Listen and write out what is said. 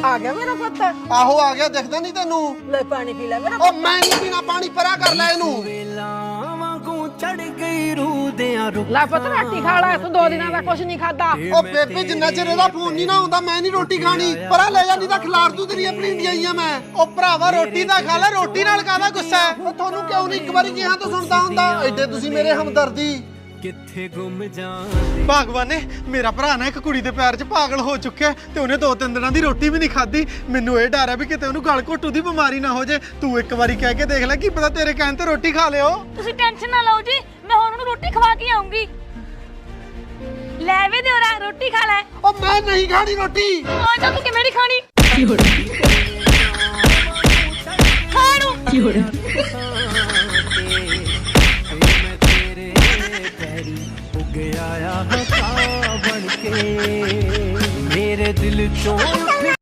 आ गया मेरा पुत। आहो आ गया, दिखदा नहीं तेनू? ले पानी पी ले मेरा। ओ मैं नहीं पीना पानी, परा कर ले इनू। ला पुत रोटी खा ला, तू 2 दिनों का कुछ नहीं खाता। ओ बेबे जिन्ना चिर ਇਹਦਾ ਫੋਨ ਨਹੀਂ ਨਾ ਆਉਂਦਾ ਮੈਂ ਨਹੀਂ ਰੋਟੀ ਖਾਣੀ। ਪਰਾ ਲੈ ਜਾ ਨਹੀਂ ਤਾਂ ਖਿਲਾਰ ਦੂ ਤੇਰੀਆਂ ਪਲੀਂਦੀਆਂ ਆਈਆਂ ਮੈਂ। ਓ ਭਰਾਵਾ ਰੋਟੀ ਤਾਂ ਖਾ ਲੈ, ਰੋਟੀ ਨਾਲ ਕਾਹਦਾ ਗੁੱਸਾ ਹੈ? ਓ ਤੁਹਾਨੂੰ ਕਿਉਂ ਨਹੀਂ ਇੱਕ ਵਾਰੀ ਕਿਹਾ ਤਾਂ ਸੁਣਦਾ ਹੁੰਦਾ? ਐਡੇ ਤੁਸੀਂ ਮੇਰੇ ਹਮਦਰਦੀ। ਕਿੱਥੇ ਗੁੰਮ ਜਾਂਦੇ। ਭਗਵਾਨ ਨੇ ਮੇਰਾ ਭਰਾ ਨਾ ਇੱਕ ਕੁੜੀ ਦੇ ਪਿਆਰ 'ਚ ਪਾਗਲ ਹੋ ਚੁੱਕਿਆ ਤੇ ਉਹਨੇ 2-3 ਦਿਨਾਂ ਦੀ ਰੋਟੀ ਵੀ ਨਹੀਂ ਖਾਧੀ। ਮੈਨੂੰ ਇਹ ਡਰ ਹੈ ਵੀ ਕਿਤੇ ਉਹਨੂੰ ਗਲ ਘੋਟੂ ਦੀ ਬਿਮਾਰੀ ਨਾ ਹੋ ਜੇ। ਤੂੰ ਇੱਕ ਵਾਰੀ ਕਹਿ ਕੇ ਦੇਖ ਲੈ, ਕੀ ਪਤਾ ਤੇਰੇ ਕਹਿਣ ਤੇ ਰੋਟੀ ਖਾ ਲਿਓ। ਤੁਸੀਂ ਟੈਨਸ਼ਨ ਨਾ ਲਓ ਜੀ, ਮੈਂ ਹੁਣ ਉਹਨੂੰ ਰੋਟੀ ਖਵਾ ਕੇ ਆਉਂਗੀ। ਲੈ ਵੇ ਦਿਓਰਾ ਰੋਟੀ ਖਾ ਲੈ। ਓ ਮੈਂ ਨਹੀਂ ਖਾਣੀ ਰੋਟੀ। ਆ ਜਾ ਤੂੰ ਕਿਵੇਂ ਨਹੀਂ ਖਾਣੀ? ਖਾਣੂ